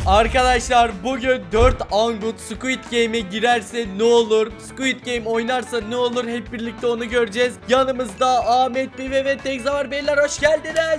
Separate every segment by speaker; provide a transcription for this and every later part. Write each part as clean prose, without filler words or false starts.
Speaker 1: Arkadaşlar bugün 4 Angut Squid Game'e girerse ne olur? Squid Game oynarsa ne olur? Hep birlikte onu göreceğiz. Yanımızda Ahmet, Pive ve Tekza var. Beyler hoş geldiniz.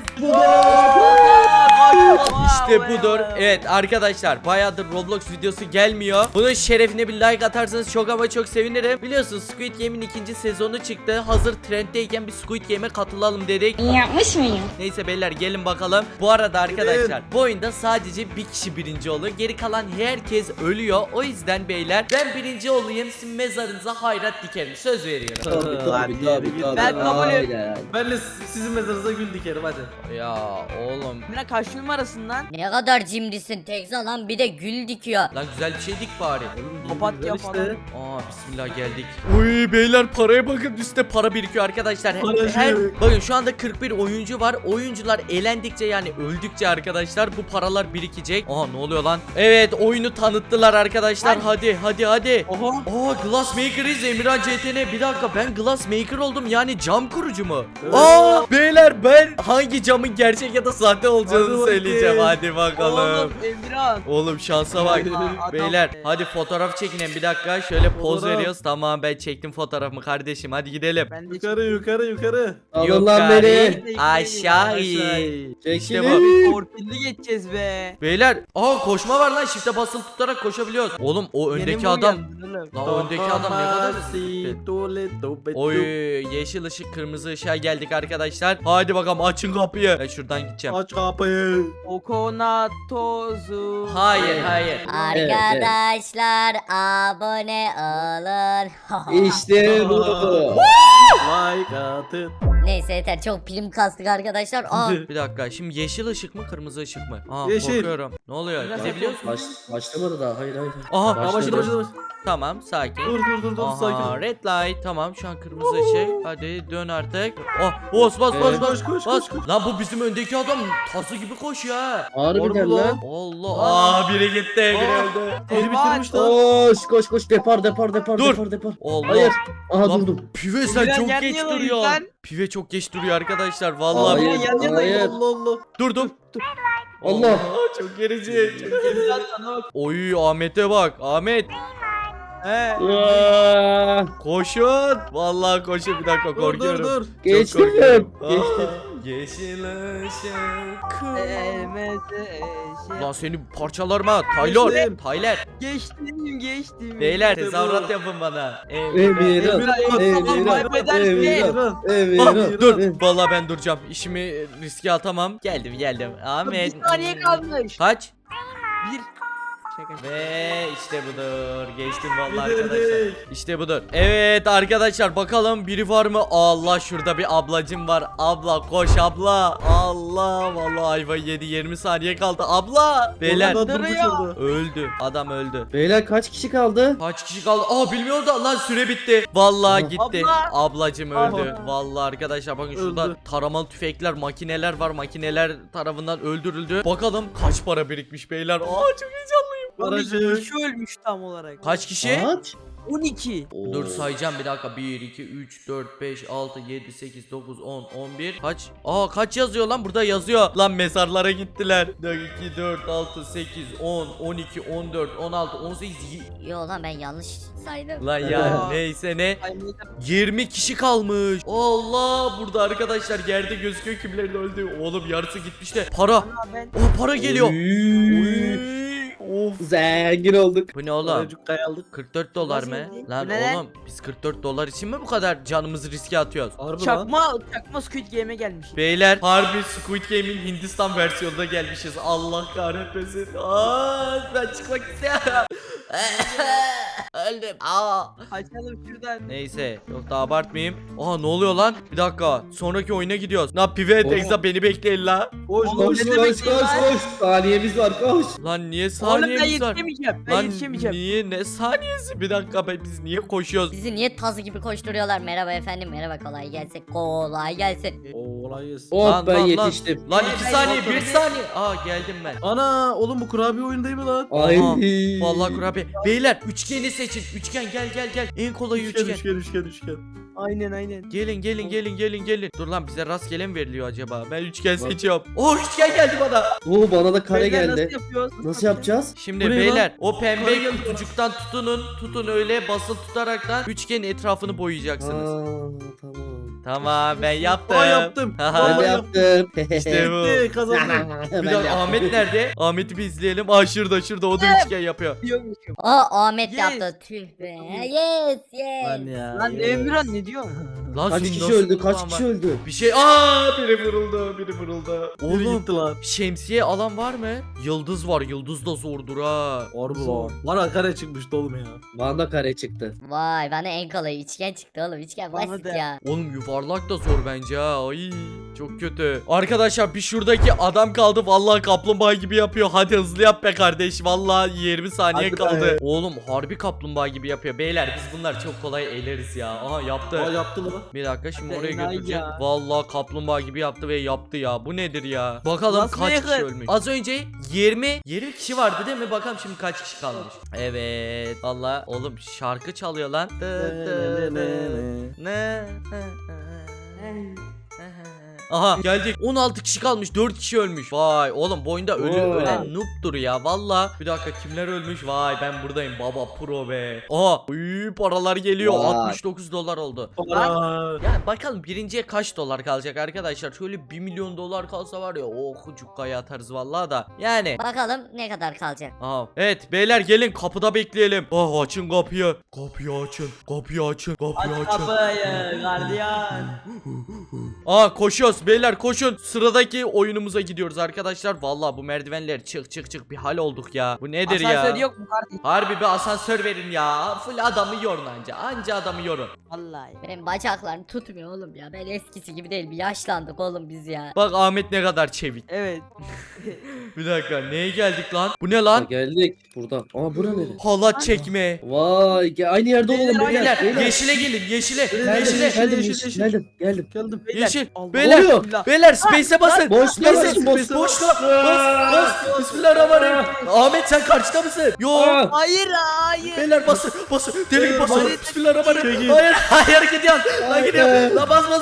Speaker 1: İşte budur. Evet arkadaşlar bayağıdır Roblox videosu gelmiyor. Bunun şerefine bir like atarsanız çok ama çok sevinirim. Biliyorsunuz Squid Game'in ikinci sezonu çıktı. Hazır trenddeyken bir Squid Game'e katılalım dedik.
Speaker 2: Yapmış mıyım?
Speaker 1: Neyse beyler gelin bakalım. Bu arada arkadaşlar bu oyunda sadece bir kişi birinci oluyor. Geri kalan herkes ölüyor. O yüzden beyler ben birinci olayım. Sizin mezarınıza hayrat dikerim. Söz veriyorum.
Speaker 3: Tabii.
Speaker 4: Ben kabul ediyorum.
Speaker 3: Ben de sizin mezarınıza gül dikerim hadi.
Speaker 1: Ya oğlum.
Speaker 4: Emre kaç numarasından?
Speaker 2: Ne kadar cimrisin Tekza lan, bir de gül dikiyor.
Speaker 1: Lan güzel bir şey dik bari.
Speaker 4: Papatya
Speaker 3: işte.
Speaker 4: falan.
Speaker 1: Aa bismillah geldik. Uy beyler paraya bakın, üstte para birikiyor arkadaşlar.
Speaker 3: Paracık.
Speaker 1: Bakın şu anda 41 oyuncu var. Oyuncular elendikçe yani öldükçe arkadaşlar bu paralar birikecek. Aa ne oluyor lan? Evet oyunu tanıttılar arkadaşlar. Hadi.
Speaker 4: Oho.
Speaker 1: Aa Glassmaker'iz Emirhan CTN. Bir dakika ben Glassmaker oldum, yani cam kurucu mu?
Speaker 3: Evet.
Speaker 1: Aa beyler ben hangi camın gerçek ya da sahte olacağını
Speaker 3: Hadi
Speaker 1: söyleyeceğim.
Speaker 3: bakayım.
Speaker 1: Hadi bakalım.
Speaker 4: Oğlum Emirhan.
Speaker 1: Oğlum şansa bak.
Speaker 4: Adam
Speaker 1: Beyler
Speaker 4: be.
Speaker 1: hadi fotoğraf çekinin bir dakika. Şöyle poz
Speaker 3: Fotoğraf.
Speaker 1: veriyoruz. Tamam ben çektim fotoğrafımı kardeşim. Hadi gidelim.
Speaker 4: Ben de
Speaker 3: Yukarı.
Speaker 5: Alın lan beni.
Speaker 1: Aşağı
Speaker 3: Aşağı.
Speaker 1: in. İşte
Speaker 5: Çekilin.
Speaker 1: bu.
Speaker 4: torpilli geçeceğiz be.
Speaker 1: Beyler koşma var lan, shift'e basılı tutarak koşabiliyoruz. Oğlum o öndeki
Speaker 4: Yeni mi
Speaker 1: adam.
Speaker 4: uyandın oğlum?
Speaker 1: Lan öndeki adam ne kadar
Speaker 3: hızlı.
Speaker 1: Oy yeşil ışık kırmızı ışığa geldik arkadaşlar. Hadi bakalım açın kapıyı. Ben şuradan gideceğim.
Speaker 3: Aç kapıyı.
Speaker 4: Kokonat tozu.
Speaker 1: Hayır.
Speaker 2: Arkadaşlar abone olun.
Speaker 5: İşte bu.
Speaker 3: Like atın.
Speaker 2: Neyse yeter, çok prim kastık arkadaşlar. Aa,
Speaker 1: Bir dakika şimdi yeşil ışık mı kırmızı ışık mı? Aa
Speaker 3: Yeşil.
Speaker 1: korkuyorum. Ne oluyor?
Speaker 4: Biraz
Speaker 1: Gidebiliyor musun?
Speaker 5: Başlamadı daha. Hayır.
Speaker 1: Aha
Speaker 3: Başladı.
Speaker 1: tamam sakin.
Speaker 3: Dur
Speaker 1: Aha,
Speaker 3: sakin.
Speaker 1: red light. Tamam şu an kırmızı ışık. Hadi dön artık. Bas.
Speaker 3: Koş.
Speaker 1: Lan bu bizim öndeki adam tası gibi koşuyor ha.
Speaker 5: Harbiden
Speaker 3: Doğru
Speaker 5: lan.
Speaker 1: Allah. Biri gitti, biri öldü.
Speaker 3: Biri bitirmiş lan.
Speaker 5: Koş. Depar.
Speaker 1: Dur.
Speaker 5: Depar.
Speaker 1: Allah.
Speaker 5: Hayır. Aha
Speaker 1: Lan,
Speaker 5: durdum.
Speaker 1: Pive sen
Speaker 4: Emirhan
Speaker 1: çok
Speaker 4: yer
Speaker 1: geç
Speaker 4: niye
Speaker 1: duruyor.
Speaker 4: lan?
Speaker 1: Pive çok geç duruyor arkadaşlar. Vallahi.
Speaker 5: Hayır. Hayır.
Speaker 3: Allah.
Speaker 1: Durdum.
Speaker 5: Allah.
Speaker 1: Çok gerici.
Speaker 4: Emirhan sana bak.
Speaker 1: Oy Ahmet'e bak. Ahmet
Speaker 4: He.
Speaker 5: Aa,
Speaker 1: koşun. Vallahi koşun, bir dakika korkuyorum.
Speaker 3: Dur.
Speaker 1: Çok
Speaker 5: Geçtim.
Speaker 1: korkuyorum.
Speaker 5: Geçtim.
Speaker 1: Yeşil ışık.
Speaker 4: Emeze
Speaker 1: Lan seni parçalarım ha. Tyler.
Speaker 3: Geçtim.
Speaker 1: Tyler.
Speaker 4: Geçtim.
Speaker 1: Beyler
Speaker 3: İşte bu.
Speaker 1: tezahürat yapın bana.
Speaker 5: Emirhan. Emirhan.
Speaker 1: Dur. Vallahi ben duracağım. İşimi riske atamam. Geldim. Ahmet.
Speaker 4: Bir saniye kalmış.
Speaker 1: Kaç?
Speaker 4: Bir. Şaka.
Speaker 1: Ve işte budur. Geçtim vallahi arkadaşlar.
Speaker 3: Bitirdik.
Speaker 1: İşte budur. Evet arkadaşlar bakalım biri var mı? Allah şurada bir ablacım var. Abla koş abla. Allah vallahi ayva yedi, 20 saniye kaldı. Abla. Beyler
Speaker 3: Orada durmuş
Speaker 4: duruyor.
Speaker 3: orada.
Speaker 1: öldü. Adam öldü.
Speaker 5: Beyler kaç kişi kaldı?
Speaker 1: Kaç kişi kaldı? Bilmiyorum da lan süre bitti. Vallahi
Speaker 5: Aha.
Speaker 1: gitti.
Speaker 4: Abla.
Speaker 1: Ablacım öldü.
Speaker 3: Aha.
Speaker 1: Vallahi arkadaşlar bakın şurada
Speaker 3: Öldü.
Speaker 1: taramalı tüfekler, makineler var. Makineler tarafından öldürüldü. Bakalım kaç para birikmiş beyler. Çok heyecanlıyım.
Speaker 3: Paracık.
Speaker 4: Kişi ölmüş tam olarak.
Speaker 1: Kaç kişi?
Speaker 5: Kaç?
Speaker 4: 12.
Speaker 1: Dur sayacağım bir dakika. 1, 2, 3, 4, 5, 6, 7, 8, 9, 10, 11. Kaç? Kaç yazıyor lan? Burada yazıyor. Lan mezarlara gittiler. 2, 4, 6, 8, 10, 12, 14, 16, 18.
Speaker 2: yo lan ben yanlış saydım.
Speaker 1: Lan ya neyse ne. 20 kişi kalmış. Allah burada arkadaşlar yerde gözüküyor kimlerin öldü. Oğlum yarısı gitmiş de. Para.
Speaker 4: Ben
Speaker 1: Para geliyor.
Speaker 5: Oy.
Speaker 1: Of.
Speaker 5: Zengin olduk.
Speaker 1: Bu ne oğlum?
Speaker 3: Paracık kayaldık.
Speaker 1: 44 dolar mı?
Speaker 4: Nasıl?
Speaker 1: Lan
Speaker 4: Bu ne?
Speaker 1: oğlum biz 44 dolar için mi bu kadar canımızı riske atıyoruz?
Speaker 3: Harbi lan.
Speaker 4: Çakma Squid Game'e gelmiş.
Speaker 1: Beyler harbi Squid Game'in Hindistan versiyonunda gelmişiz. Allah kahretmesin. Ben çıkmak istiyorum. Öldüm.
Speaker 4: Açalım şuradan.
Speaker 1: Neyse çok da abartmayayım. Ne oluyor lan? Bir dakika. Sonraki oyuna gidiyoruz. Lan Pive Tekza beni bekleyin la.
Speaker 3: Koş.
Speaker 5: Koş. Saniyemiz var koş.
Speaker 1: Lan niye
Speaker 4: Oğlum ben
Speaker 1: saniyemiz var?
Speaker 4: yetişemeyeceğim. Ben
Speaker 1: Lan
Speaker 4: yetişemeyeceğim.
Speaker 1: niye ne saniyesi? Bir dakika biz niye koşuyoruz?
Speaker 2: Bizi niye tazı gibi koşturuyorlar? Merhaba efendim, merhaba, kolay gelsin. Kolay gelsin.
Speaker 3: Olay gelsin.
Speaker 5: Oh ben yetiştim.
Speaker 1: Lan 2 saniye 1 saniye. Geldim ben.
Speaker 3: Ana oğlum bu kurabiye oyun değil mi lan?
Speaker 5: Ay.
Speaker 1: Vallahi kurabiye. Beyler üçgeni seçin. Üçgen gel. En kolay üçgen.
Speaker 3: Üçgen.
Speaker 4: Aynen.
Speaker 1: Gelin. Dur lan bize rastgele mi veriliyor acaba? Ben üçgen seçiyorum. Oh üçgen geldi bana.
Speaker 5: Oo bana da kare
Speaker 4: Beyler,
Speaker 5: geldi.
Speaker 4: Nasıl yapıyoruz?
Speaker 5: Nasıl yapacağız?
Speaker 1: Şimdi
Speaker 3: Bu ne
Speaker 1: beyler
Speaker 3: lan?
Speaker 1: o pembe
Speaker 3: Kare geldi.
Speaker 1: kutucuktan tutun öyle basılı tutaraktan üçgenin etrafını boyayacaksınız.
Speaker 5: Tamam.
Speaker 1: Tamam ben yaptım.
Speaker 3: Aa yaptım.
Speaker 5: Ben
Speaker 1: Haha,
Speaker 5: de yaptım.
Speaker 1: İşte bu.
Speaker 3: Bitti, kazandım.
Speaker 1: Bir dakika Ahmet nerede? Ahmet'i bir izleyelim. Aa şurada o da üçgen yapıyor.
Speaker 4: Diyormuşum.
Speaker 2: Aa Ahmet
Speaker 4: Yes.
Speaker 2: yaptı. Tüh be. Yes.
Speaker 3: Lan ya.
Speaker 4: Lan Emirhan ne diyorsun?
Speaker 1: Lan
Speaker 5: Kaç
Speaker 1: senin
Speaker 5: kişi
Speaker 1: nasıl
Speaker 5: öldü? Kaç
Speaker 1: kulağın
Speaker 5: kişi
Speaker 1: var?
Speaker 5: öldü?
Speaker 1: Bir şey biri vuruldu.
Speaker 3: Biri
Speaker 1: Oğlum
Speaker 3: gitti lan.
Speaker 1: şemsiye alan var mı? Yıldız var. Yıldız da zordur ha.
Speaker 3: Harbi lan. Bana kare çıkmıştı oğlum ya.
Speaker 5: Bana da kare çıktı.
Speaker 2: Vay bana en kolay üçgen çıktı oğlum. Üçgen
Speaker 4: Bana
Speaker 2: basit
Speaker 4: da.
Speaker 2: ya.
Speaker 1: Oğlum yuvarlak da zor bence ha. Ay çok kötü. Arkadaşlar bir şuradaki adam kaldı. Vallahi kaplumbağa gibi yapıyor. Hadi hızlı yap be kardeş. Vallahi 20 saniye
Speaker 3: Hadi
Speaker 1: kaldı.
Speaker 3: be.
Speaker 1: Oğlum harbi kaplumbağa gibi yapıyor. Beyler biz bunlar çok kolay eleriz ya. Aha yaptı.
Speaker 3: Aa yaptı lan.
Speaker 1: Bir dakika şimdi
Speaker 4: Hadi
Speaker 1: oraya
Speaker 4: enayi
Speaker 1: götüreceğim.
Speaker 4: ya.
Speaker 1: Vallahi kaplumbağa gibi yaptı ve yaptı ya. Bu nedir ya? Bakalım
Speaker 4: Nasıl
Speaker 1: kaç
Speaker 4: yakın?
Speaker 1: kişi ölmüş. Az önce 20 kişi vardı değil mi? Bakalım şimdi kaç kişi kalmış. Evet. Vallahi oğlum şarkı çalıyor lan. Aha geldik. 16 kişi kalmış. 4 kişi ölmüş. Vay oğlum bu oyunda ölen noob'dur ya. Valla. Bir dakika kimler ölmüş? Vay ben buradayım baba pro be. Aha. Paralar geliyor.
Speaker 5: Vay.
Speaker 1: 69 dolar oldu.
Speaker 3: Aa.
Speaker 1: Yani bakalım birinciye kaç dolar kalacak arkadaşlar. Şöyle 1 milyon dolar kalsa var ya. Oh cukkaya atarız vallahi da. Yani.
Speaker 2: Bakalım ne kadar kalacak.
Speaker 1: Aha. Evet beyler gelin kapıda bekleyelim. Ah açın kapıyı. Kapıyı açın.
Speaker 4: Aç
Speaker 1: açın.
Speaker 4: kapıyı gardiyan.
Speaker 1: Aa koşuyoruz beyler koşun. Sıradaki oyunumuza gidiyoruz arkadaşlar. Vallahi bu merdivenler çık bir hal olduk ya. Bu nedir ya?
Speaker 4: Asansör yok mu kardeşim?
Speaker 1: Harbi bir asansör verin ya. Full adamı yorun anca. Anca adamı yorun.
Speaker 4: Vallahi.
Speaker 2: Benim bacaklarım tutmuyor oğlum ya. Ben eskisi gibi değil. Bir yaşlandık oğlum biz ya.
Speaker 1: Bak Ahmet ne kadar çevik.
Speaker 4: Evet.
Speaker 1: Bir dakika neye geldik lan? Bu ne
Speaker 5: Ha,
Speaker 1: lan?
Speaker 5: geldik burada. Aa bura nere?
Speaker 1: Halat çekme.
Speaker 5: Vay aynı yerde olalım
Speaker 1: Beyler
Speaker 5: beyler.
Speaker 1: yeşile gelin yeşile.
Speaker 5: Geldim,
Speaker 1: Yeşile.
Speaker 5: geldim,
Speaker 3: yeşil.
Speaker 5: geldim.
Speaker 3: Geldim.
Speaker 1: Yeşil.
Speaker 4: Allah.
Speaker 1: Beyler.
Speaker 5: Oluyor.
Speaker 1: Beyler space'e basın.
Speaker 5: Boş
Speaker 1: Space'e
Speaker 5: basın, boş
Speaker 1: boşluğa bas. Bismillahirrahmanirrahim. Ahmet sen karşıda mısın? Yo.
Speaker 5: Aa,
Speaker 4: Hayır.
Speaker 1: Beyler basın. Deli gibi basın.
Speaker 3: Hayır.
Speaker 1: Bismillahirrahmanirrahim.
Speaker 3: Çekil.
Speaker 1: Hayır gidiyorsun. Lan
Speaker 5: Hayır.
Speaker 1: gidiyor. Lan bas.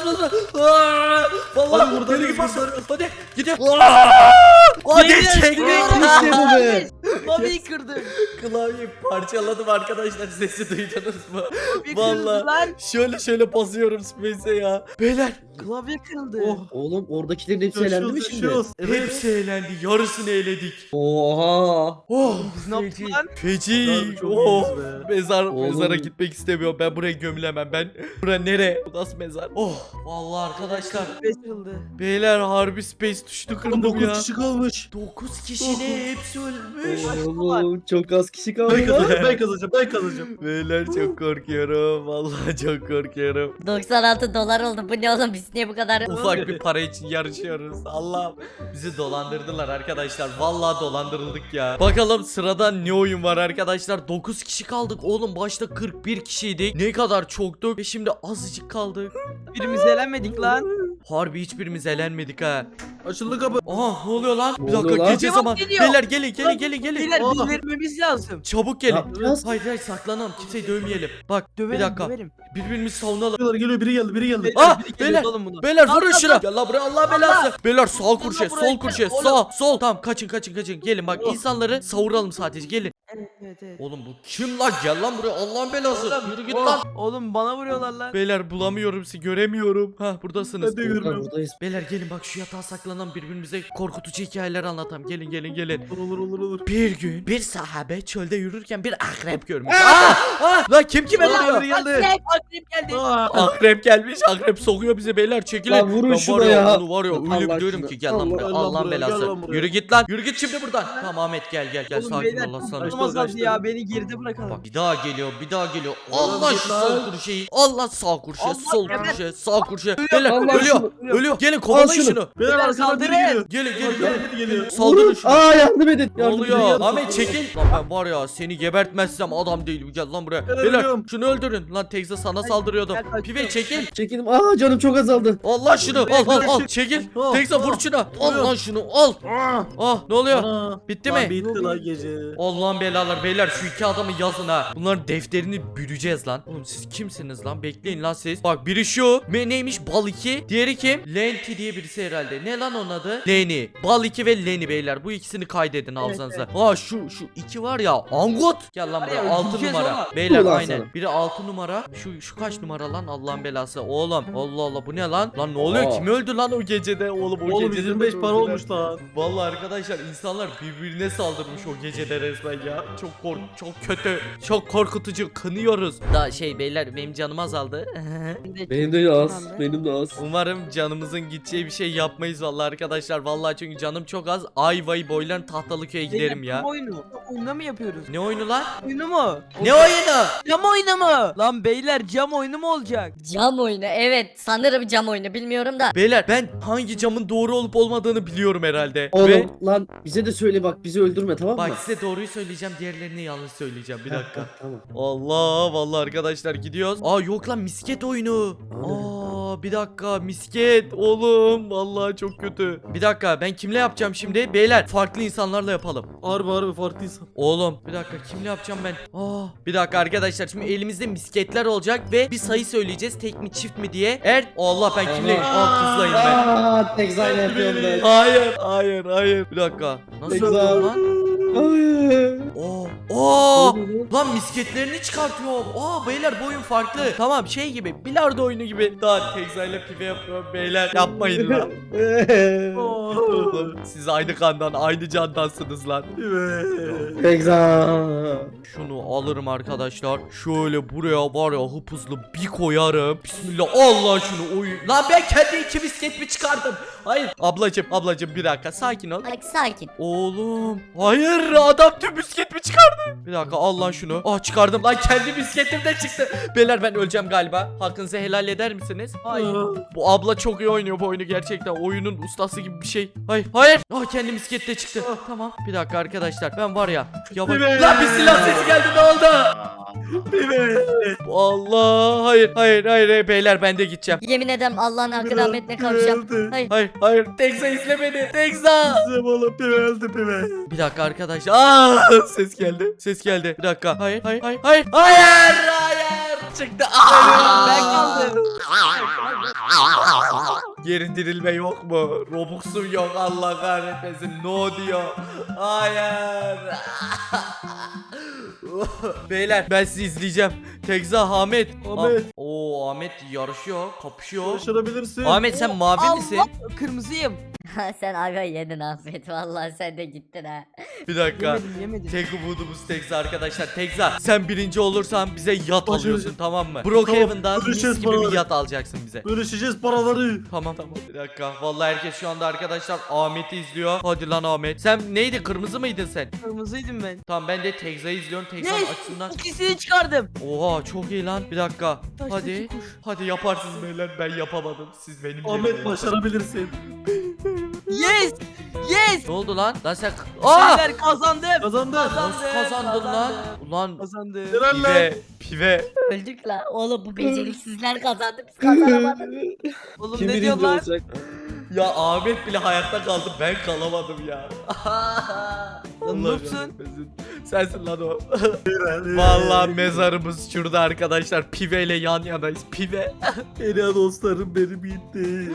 Speaker 1: Aa, vallahi
Speaker 3: Hadi buradan
Speaker 1: deli gibi
Speaker 3: yürü,
Speaker 1: basın.
Speaker 3: buradan.
Speaker 1: Hadi gidiyor. Hadi
Speaker 4: Beyler,
Speaker 1: çektik.
Speaker 5: işte bu be.
Speaker 4: Babayı kırdım.
Speaker 1: Klavyeyi parçaladım arkadaşlar. Sesi duydunuz mu?
Speaker 4: Babayı
Speaker 1: Vallahi.
Speaker 4: kırdı lan.
Speaker 1: Şöyle basıyorum space'e ya. Beyler
Speaker 4: Klavye kırıldı.
Speaker 3: Oh.
Speaker 5: Oğlum oradakilerin hepsi elendi mi şimdi?
Speaker 3: Yaşıyoruz. Evet.
Speaker 1: hepsi eğlendi. Yarısını eledik.
Speaker 5: Oha.
Speaker 1: Oh.
Speaker 4: Biz ne yaptık lan?
Speaker 1: Feci.
Speaker 3: Harbi çok
Speaker 1: Oh.
Speaker 3: iyiyiz be.
Speaker 5: Oğlum.
Speaker 1: Mezara gitmek istemiyorum. Ben buraya gömülemem. Bura nere? Bu nasıl mezar? Oh. Vallahi arkadaşlar.
Speaker 4: Klavye kırıldı.
Speaker 1: Beyler harbi space tuşunu
Speaker 3: Oğlum
Speaker 1: kırdım
Speaker 3: 9
Speaker 1: ya.
Speaker 3: kişi kalmış.
Speaker 1: 9 kişi ne? Hepsi ölmüş.
Speaker 5: Oğlum çok az kişi kaldı
Speaker 3: Ben
Speaker 5: lan.
Speaker 3: kazanacağım. Ben kazanacağım. Ben kazanacağım.
Speaker 1: Beyler çok korkuyorum. Vallahi çok korkuyorum.
Speaker 2: 96 dolar oldu. Bu ne oğlum biz niye bu kadar...
Speaker 1: Ufak bir para için yarışıyoruz. Allah bizi dolandırdılar arkadaşlar. Vallahi dolandırıldık ya. Bakalım sırada ne oyun var arkadaşlar. 9 kişi kaldık. Oğlum başta 41 kişiydik. Ne kadar çoktuk. Ve şimdi azıcık kaldık.
Speaker 4: Birimiz elenmedik lan.
Speaker 1: Harbi hiçbirimiz elenmedik ha.
Speaker 3: Açıldı kapı.
Speaker 1: Aa ne oluyor lan?
Speaker 5: Ne
Speaker 1: Bir dakika
Speaker 5: oluyor lan?
Speaker 1: gece
Speaker 4: Cevap
Speaker 1: zaman.
Speaker 4: geliyor.
Speaker 1: Beyler gelin.
Speaker 4: Beyler
Speaker 3: Oh.
Speaker 4: biz vermemiz lazım.
Speaker 1: Çabuk
Speaker 5: Ne
Speaker 1: gelin.
Speaker 5: yapacağız?
Speaker 1: Hayır saklanalım. Kimseyi dövmeyelim. Bak
Speaker 4: Döverim,
Speaker 1: bir dakika.
Speaker 4: döverim.
Speaker 1: Birbirimizi savunalım.
Speaker 3: Geliyor biri geldi.
Speaker 1: Ah
Speaker 4: Biri
Speaker 1: beyler.
Speaker 4: geliyor oğlum buna.
Speaker 1: Beyler vurun
Speaker 4: Allah,
Speaker 1: şuna.
Speaker 4: Allah.
Speaker 1: Gel lan buraya Allah belası. Beyler sağ kurşe,
Speaker 4: buraya,
Speaker 1: sol kurşe,
Speaker 4: oğlum.
Speaker 1: sol. Tamam kaçın. Gelin bak insanları savuralım sadece. Gelin.
Speaker 4: Evet.
Speaker 1: Oğlum bu kim lan? Gel lan buraya Allah'ın belası.
Speaker 4: Oğlum,
Speaker 1: Yürü git
Speaker 3: oh.
Speaker 1: lan.
Speaker 4: Oğlum bana vuruyorlar lan.
Speaker 1: Beyler bulamıyorum sizi, göremiyorum. Ha buradasınız.
Speaker 3: Ben de görmüyorum.
Speaker 5: Buradayız.
Speaker 1: Beyler gelin bak şu yatağa saklanan birbirimize korkutucu hikayeler anlatalım. Gelin.
Speaker 3: Olur.
Speaker 1: Bir gün bir sahabe çölde yürürken bir akrep görmüş. Lan kim kime
Speaker 3: Biri
Speaker 1: vuruyor?
Speaker 3: geldi.
Speaker 4: Akrep geldi.
Speaker 1: Akrep gelmiş. Akrep sokuyor bize beyler. Çekilin.
Speaker 5: Lan vurun
Speaker 1: Ben
Speaker 5: şuna
Speaker 1: var
Speaker 5: ya.
Speaker 1: Onu var ya
Speaker 5: Allah
Speaker 1: öyle diyorum
Speaker 5: aşkına.
Speaker 1: ki gel lan
Speaker 5: Allah,
Speaker 1: buraya.
Speaker 3: gel lan
Speaker 1: Allah'ın
Speaker 3: buraya,
Speaker 1: belası.
Speaker 3: gel lan buraya.
Speaker 1: Yürü git lan. Yürü git şimdi buradan. Tamam Ahmet gel.
Speaker 4: Oğlum
Speaker 1: Sakin
Speaker 4: beyler
Speaker 1: ol aslanım.
Speaker 3: Kaçtı,
Speaker 4: durmaz
Speaker 3: kaçtı.
Speaker 4: ya beni geride bırakalım.
Speaker 1: Bak bir daha geliyor.
Speaker 3: Oğlum
Speaker 1: Allah
Speaker 3: git
Speaker 1: şu
Speaker 3: lan.
Speaker 1: sol kurşeyi. Allah sağ kurşe,
Speaker 4: Allah
Speaker 1: sol
Speaker 4: geber.
Speaker 1: kurşe, sağ kurşe. Beyler
Speaker 5: Allah
Speaker 1: ölüyor.
Speaker 5: şunu.
Speaker 1: Ölüyor. Gelin kovalayın
Speaker 5: şunu.
Speaker 1: şunu.
Speaker 3: Beyler arkadan
Speaker 4: saldırın.
Speaker 3: biri geliyor.
Speaker 1: Gelin.
Speaker 3: Arkadan biri geliyor.
Speaker 1: Saldırın şunu.
Speaker 5: Aa yardım edin.
Speaker 1: Ne
Speaker 5: Yardım
Speaker 1: oluyor?
Speaker 5: edin.
Speaker 1: Ahmet çekil. Lan ben var ya seni gebertmezsem adam değilim. Gel lan buraya.
Speaker 3: Ben
Speaker 1: Beyler
Speaker 3: ölüyorum.
Speaker 1: şunu öldürün. Lan Texas sana saldırıyordum.
Speaker 4: gel, kaçtım.
Speaker 1: Pive çekil.
Speaker 5: Çekildim. Aa canım çok azaldı.
Speaker 1: Allah şunu. Al. Çekil.
Speaker 3: Al,
Speaker 1: Texas vur
Speaker 3: al.
Speaker 1: şuna. Al lan şunu. Al.
Speaker 3: Aa.
Speaker 1: Ah ne oluyor?
Speaker 3: Ana.
Speaker 1: Bitti
Speaker 3: Lan
Speaker 1: mi?
Speaker 3: Bitti lan gece.
Speaker 1: Allah'ın belası. belalar beyler, şu iki adamı yazın ha. Bunların defterini bürüyeceğiz lan. Oğlum siz kimsiniz lan? Bekleyin lan siz. Bak biri şu. Neymiş? Bal 2. Diğeri kim? Lenti diye birisi herhalde. Ne lan onun adı? Leni. Bal 2 ve Leni beyler. Bu ikisini kaydedin hafızanıza. Aa şu iki var ya. Angot. Gel lan
Speaker 4: Var
Speaker 1: buraya.
Speaker 4: ya,
Speaker 1: 6
Speaker 4: öldüreceğiz
Speaker 1: numara.
Speaker 4: oğlum.
Speaker 1: Beyler
Speaker 5: Ulan
Speaker 1: aynen.
Speaker 5: sana.
Speaker 1: Biri 6 numara. Şu kaç numara lan? Allah'ın belası. Oğlum. Allah Allah, bu ne lan? Lan ne oluyor?
Speaker 5: Aa.
Speaker 1: Kim öldü lan o gecede? Oğlum o
Speaker 3: Oğlum
Speaker 1: gecede
Speaker 3: 25 para
Speaker 1: öldüler.
Speaker 3: olmuş lan.
Speaker 1: Vallahi arkadaşlar insanlar birbirine saldırmış o gecede resmen ya. Çok kötü. Çok korkutucu. Kınıyoruz. Da beyler benim canım azaldı.
Speaker 5: Benim de az. Benim de az.
Speaker 1: Umarım canımızın gideceği bir şey yapmayız vallahi arkadaşlar. Vallahi çünkü canım çok az. Ayvayı boylan Tahtalıköy'e giderim ya.
Speaker 4: Cam oyunu. Oyunda mı yapıyoruz?
Speaker 1: Ne oyunu lan?
Speaker 4: Oyunu mu?
Speaker 1: Ne oyunu?
Speaker 4: Cam oyunu mu? Lan beyler cam oyunu mu olacak?
Speaker 2: Cam oyunu, evet sanırım cam oyunu, bilmiyorum da.
Speaker 1: Beyler ben hangi camın doğru olup olmadığını biliyorum herhalde.
Speaker 5: Oğlum
Speaker 1: Ve
Speaker 5: lan bize de söyle bak, bizi öldürme, tamam mı?
Speaker 1: bak size doğruyu söyleyeceğim, diğerlerini yanlış söyleyeceğim. Bir dakika.
Speaker 5: Tamam.
Speaker 1: Allah vallahi arkadaşlar gidiyoruz. Aa yok lan, misket oyunu. Aa bir dakika, misket oğlum, vallahi çok kötü. Bir dakika, ben kimle yapacağım şimdi? Beyler farklı insanlarla yapalım.
Speaker 3: Harbi farklı insan.
Speaker 1: Oğlum bir dakika, kimle yapacağım ben? Bir dakika arkadaşlar, şimdi elimizde misketler olacak ve bir sayı söyleyeceğiz, tek mi çift mi diye. Allah, ben kimle? Kızlayım ben.
Speaker 5: Aaa Tekzayla yapıyorum ben.
Speaker 1: Hayır. Bir dakika. Nasıl
Speaker 5: Tekza.
Speaker 1: yapıyorum lan?
Speaker 5: Hayır.
Speaker 1: Lan misketlerini çıkartıyor. Beyler bu oyun farklı. Tamam gibi, bilardo oyunu gibi. Daha Tekza'yla pive yapıyorum beyler. Yapmayın lan. Oğlum, siz aynı kandan, aynı candansınız lan.
Speaker 5: Tekza.
Speaker 1: Şunu alırım arkadaşlar. Şöyle buraya var ya, hıp hızlı bir koyarım. Bismillah. Allah şunu oyun. Lan ben kendi iki misket mi çıkardım? Hayır. Ablacım bir dakika, sakin ol.
Speaker 2: Bak sakin.
Speaker 1: Oğlum. Hayır, adam tüm misket mi çıkardı? Bir dakika, al lan şunu. Çıkardım lan, kendi misketim de çıktı. Beyler ben öleceğim galiba. Hakkınızı helal eder misiniz?
Speaker 4: Hayır.
Speaker 1: Bu abla çok iyi oynuyor bu oyunu gerçekten. Oyunun ustası gibi bir şey. Hayır. Kendi misket de çıktı. Tamam. Bir dakika arkadaşlar, ben var ya. Yavaş. Lan bir silah sesi geldi, ne oldu? Allah, hayır beyler, ben de gideceğim.
Speaker 2: Yemin ederim Allah'ın hakkı rahmetine kavuşacağım.
Speaker 1: Hayır. Tekza izle beni. Tekza.
Speaker 3: Bizim oğlum pive öldü pive.
Speaker 1: Bir dakika arkadaşlar. Ses geldi. Bir dakika. Hayır. Çıktı.
Speaker 4: Ben kaldım.
Speaker 1: Geri dirilme yok mu? Robux'um yok, Allah kahretmesin. No diyor. Hayır. Beyler ben sizi izleyeceğim. Tekza, Ahmet. Ahmet yarışıyor, kapışıyor.
Speaker 3: Başarabilirsin.
Speaker 1: Ahmet sen mavi misin?
Speaker 4: Allah, kırmızıyım.
Speaker 2: Sen aga yedin Afet, vallahi sen de gittin ha.
Speaker 1: Bir dakika.
Speaker 4: Yemedim.
Speaker 1: Tek umudumuz Tekza arkadaşlar. Tekza sen birinci olursan bize yat
Speaker 3: Başarı-
Speaker 1: alıyorsun, tamam mı? Brookhaven'dan mis
Speaker 3: bölüşeceğiz
Speaker 1: gibi bir
Speaker 3: paraları.
Speaker 1: yat alacaksın bize.
Speaker 3: Bölüşeceğiz paraları.
Speaker 1: Tamam. Bir dakika. Vallahi herkes şu anda arkadaşlar Ahmet'i izliyor. Hadi lan Ahmet. Sen neydi? Kırmızı mıydın sen?
Speaker 4: Kırmızıydım ben.
Speaker 1: Tamam, ben de Tekza'yı izliyorum. Tekza'nın
Speaker 4: Yes!
Speaker 1: açısından.
Speaker 4: İkisini çıkardım.
Speaker 1: Oha çok iyi lan. Bir dakika.
Speaker 4: Taş,
Speaker 1: Hadi.
Speaker 4: taşı, kuş.
Speaker 1: Hadi yaparsınız beyler. Ben yapamadım. Siz benim
Speaker 3: Ahmet
Speaker 1: yerime.
Speaker 3: başarabilirsin.
Speaker 4: Yes.
Speaker 1: Ne oldu lan? Lan sen...
Speaker 4: Beyler kazandım.
Speaker 3: Kazandın.
Speaker 1: Nasıl kazandın lan? Ulan
Speaker 4: Kazandım.
Speaker 3: Helal lan.
Speaker 1: pive.
Speaker 2: Öldük la. Oğlum bu beceriksizler kazandı, biz kazanamadık.
Speaker 4: Oğlum
Speaker 5: Kim
Speaker 4: ne
Speaker 5: birinci
Speaker 4: diyorlar?
Speaker 5: olacak?
Speaker 1: Ya Ahmet bile hayatta kaldı. Ben kalamadım ya.
Speaker 4: Lan noobsun.
Speaker 1: kahretmesin. Sensin lan o. Vallahi mezarımız şurada arkadaşlar. Pive ile yan yanayız. Pive.
Speaker 3: Ela dostlarım benim gitti.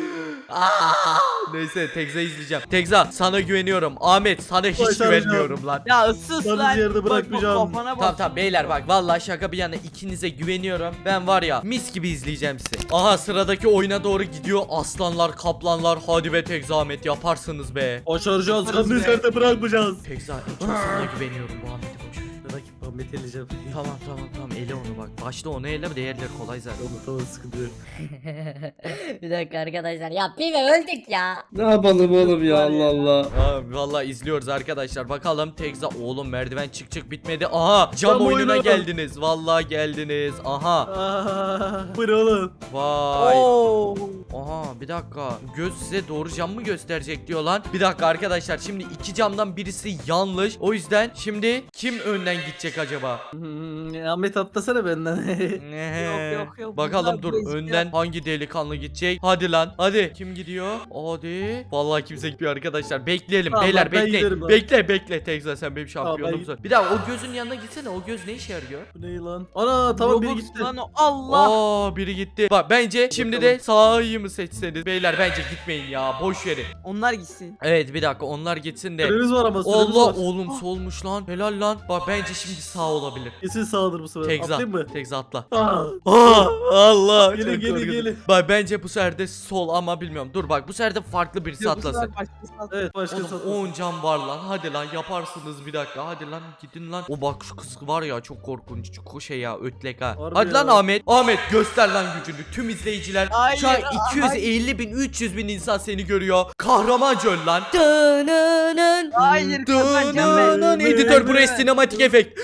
Speaker 1: Neyse Tekza'yı izleyeceğim. Tekza sana güveniyorum. Ahmet sana hiç
Speaker 3: Başaracağım.
Speaker 1: güvenmiyorum lan.
Speaker 4: Ya ıssız
Speaker 3: Yalnız
Speaker 4: lan.
Speaker 3: yerde bırakmayacağım.
Speaker 4: Kafana bak.
Speaker 1: Tamam beyler bak, vallahi şaka bir yana ikinize güveniyorum. Ben var ya mis gibi izleyeceğim sizi. Aha sıradaki oyuna doğru gidiyor. Aslanlar, kaplanlar, hadi be Tekza, Ahmet yaparsınız be.
Speaker 3: Başaracağız.
Speaker 4: Yaparız
Speaker 3: Yalnız
Speaker 4: be.
Speaker 3: yerde bırakmayacağız.
Speaker 1: Tekza en çok sana güveniyorum, bu Ahmet'i boş ver.
Speaker 3: Rakip Ahmet eleyeceğim.
Speaker 1: Tamam ele onu bak. Başta onu ele, diğerleri kolay zaten.
Speaker 3: Tamam sıkıntı yok.
Speaker 2: Bir dakika arkadaşlar, ya pive öldük ya.
Speaker 5: Ne yapalım oğlum ya, Allah Allah.
Speaker 1: Vallahi izliyoruz arkadaşlar. Bakalım Tekza, oğlum merdiven çık bitmedi. Aha cam
Speaker 3: Cam
Speaker 1: oyununa
Speaker 3: oyunu.
Speaker 1: geldiniz. Vallahi geldiniz. Aha.
Speaker 3: Bu ne oğlum?
Speaker 1: Vay.
Speaker 4: Oo.
Speaker 1: Aha bir dakika. Göz size doğru cam mı gösterecek diyor lan. Bir dakika arkadaşlar, şimdi iki camdan birisi yanlış. O yüzden şimdi kim önden gidecek acaba? acaba?
Speaker 3: Ahmet atlasana benden.
Speaker 4: Yok.
Speaker 1: Bakalım
Speaker 4: Bunlar
Speaker 1: dur
Speaker 4: bu
Speaker 1: önden hangi delikanlı gidecek? Hadi lan hadi. Kim gidiyor? Hadi. Vallahi kimse gitmiyor arkadaşlar. Bekleyelim
Speaker 3: Tamam,
Speaker 1: beyler
Speaker 3: ben
Speaker 1: bekleyin.
Speaker 3: giderim lan.
Speaker 1: Bekle Tekza sen benim
Speaker 3: Tamam,
Speaker 1: şampiyonumsun.
Speaker 3: ben-
Speaker 1: Bir daha o gözün yanına gitsene. O göz ne işe yarıyor?
Speaker 3: Bu ne lan? Ana tamam biri
Speaker 4: Robux
Speaker 3: gitti.
Speaker 4: lan o. Allah.
Speaker 1: Aa biri gitti. Bak bence şimdi de sağı mı seçseniz? Beyler bence gitmeyin ya. Boş verin.
Speaker 4: Onlar gitsin.
Speaker 1: Evet bir dakika onlar gitsin de.
Speaker 3: Süremiz var ama süremiz
Speaker 1: Allah
Speaker 3: var.
Speaker 1: oğlum solmuş lan. Helal lan. Bak bence şimdi sağ olabilir.
Speaker 3: Kesin sağdır bu sefer.
Speaker 1: Tekza.
Speaker 3: Atlayayım mı?
Speaker 1: Tekza atla.
Speaker 3: Aa,
Speaker 1: Allah.
Speaker 3: Gelin,
Speaker 1: çok
Speaker 3: gelin,
Speaker 1: korkunç.
Speaker 3: gelin.
Speaker 1: Bak bence bu sefer de sol ama bilmiyorum. Dur bak bu sefer de farklı birisi
Speaker 4: Yok, bu sefer
Speaker 1: atlasın.
Speaker 4: başkası atlasın.
Speaker 3: evet başka
Speaker 1: Oğlum
Speaker 3: satın.
Speaker 1: 10 can var lan. Hadi lan yaparsınız bir dakika. Hadi lan gidin lan. O bak şu kız var ya çok korkunç. Çok şey ya ötlek ha.
Speaker 3: Harbi
Speaker 1: Hadi lan
Speaker 3: ya.
Speaker 1: Ahmet. Ahmet göster lan gücünü. Tüm izleyiciler
Speaker 4: Hayır,
Speaker 1: şu an
Speaker 4: hayır.
Speaker 1: 250 bin 300 bin insan seni görüyor. Kahramanca öl lan.
Speaker 4: Hayır kazanacağım ben.
Speaker 1: Editör buraya sinematik efekt.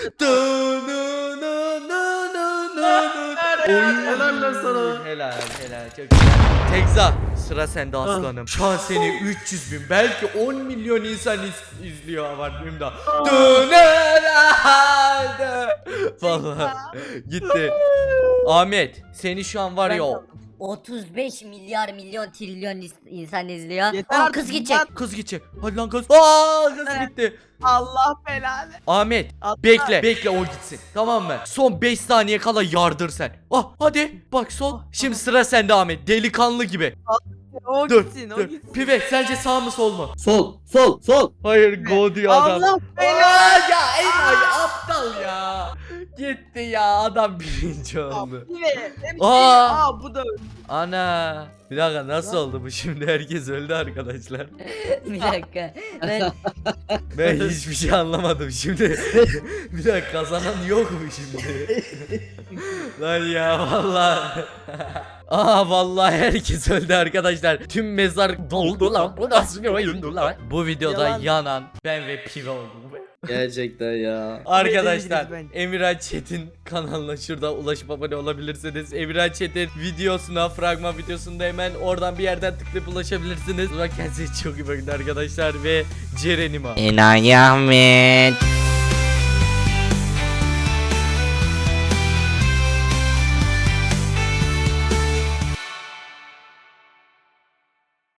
Speaker 3: Helal lan sana.
Speaker 1: Helal çok güzel. Tekza sıra sende aslanım. Şu an seni 300 bin belki 10 milyon insan izliyor var benim de. Vallahi gitti. Ahmet seni şu an var ya o
Speaker 2: 35 milyar milyon trilyon insan izliyor.
Speaker 4: Yeter
Speaker 2: Aa,
Speaker 4: artık
Speaker 2: kız gidecek.
Speaker 4: lan.
Speaker 1: kız gidecek. Hadi lan kız. Aa kız
Speaker 4: Evet.
Speaker 1: gitti.
Speaker 4: Allah belanı.
Speaker 1: Ahmet
Speaker 4: Atla.
Speaker 1: bekle o gitsin. Tamam mı? Son 5 saniye kala yardır sen. Ah hadi bak sol. Şimdi sıra sende Ahmet. Delikanlı gibi.
Speaker 4: O
Speaker 1: Dur.
Speaker 4: gitsin o
Speaker 1: Dur.
Speaker 4: gitsin.
Speaker 1: Pive sence sağ mı sol mu?
Speaker 5: Sol.
Speaker 1: Hayır go diyor adam.
Speaker 4: Allah belanı.
Speaker 1: Aa, ya Enayi aptal ya. Gitti ya adam birinci oldu. Aa.
Speaker 4: Bu da
Speaker 1: Ana. Bir dakika nasıl oldu bu şimdi herkes öldü arkadaşlar.
Speaker 2: Bir dakika.
Speaker 1: Ben hiçbir şey anlamadım şimdi. Bir dakika kazanan yok mu şimdi? Lan ya vallahi. Aa vallahi herkes öldü arkadaşlar. Tüm mezar doldu lan. Bu nasıl bir oyundu lan? Bu videoda
Speaker 4: Yalan.
Speaker 1: yanan ben ve Pive oldum.
Speaker 5: Gerçekten ya.
Speaker 1: Arkadaşlar
Speaker 4: bence.
Speaker 1: Emirhan Çetin kanalına şurada ulaşıp abone olabilirsiniz. Emirhan Çetin videosuna, fragman videosunda hemen oradan bir yerden tıklayıp ulaşabilirsiniz. Kendinize çok iyi bakın arkadaşlar ve Ceren'im
Speaker 6: Enayi Ahmet.